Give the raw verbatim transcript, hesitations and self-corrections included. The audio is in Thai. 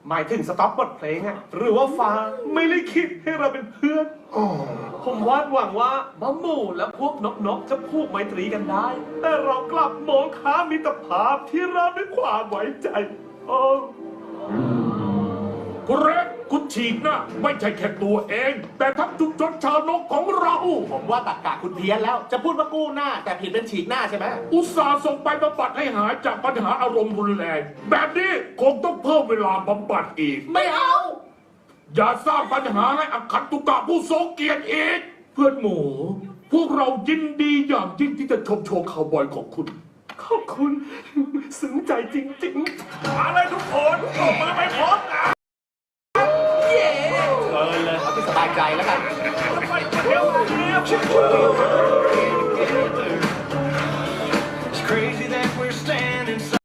หมายถึงสต็อปบทเพลงอะหรือว่าฟ้าไม่ได้คิดให้เราเป็นเพื่อนผมวาดหวังว่าบัมบูและพวกนกๆจะพูกไมตรีกันได้แต่เรากลับมองข้ามมิตรภาพที่เราด้วยความไว้ใจโอ้กูเรกกูฉีกหน้าไม่ใช่แค่ตัวเอง แต่ทั้งชุมชนชาวนกของเราผมว่าตักกะคุณเพี้ยนแล้วจะพูดว่ากู้หน้าแต่ผิดเป็นฉีกหน้าใช่ไหมอุตส่าห์ส่งไปบำบัดให้หายจากปัญหาอารมณ์รุนแรงแบบนี้คงต้องเพิ่มเวลาบำบัดอีกไม่เอาอย่าสร้างปัญหาให้อคันตุกะผู้ทรงเกียรติอีก เพื่อนหมู พวกเรายินดีอย่างยิ่งที่จะชมโชว์คาวบอยของคุณขอบคุณซึ้งใจจริงๆมาเลยทุกคนออกมาไปพร้อมกันเย้เออเลยเอาที่สบายใจแล้วกันเดี๋ยวเดี๋ยว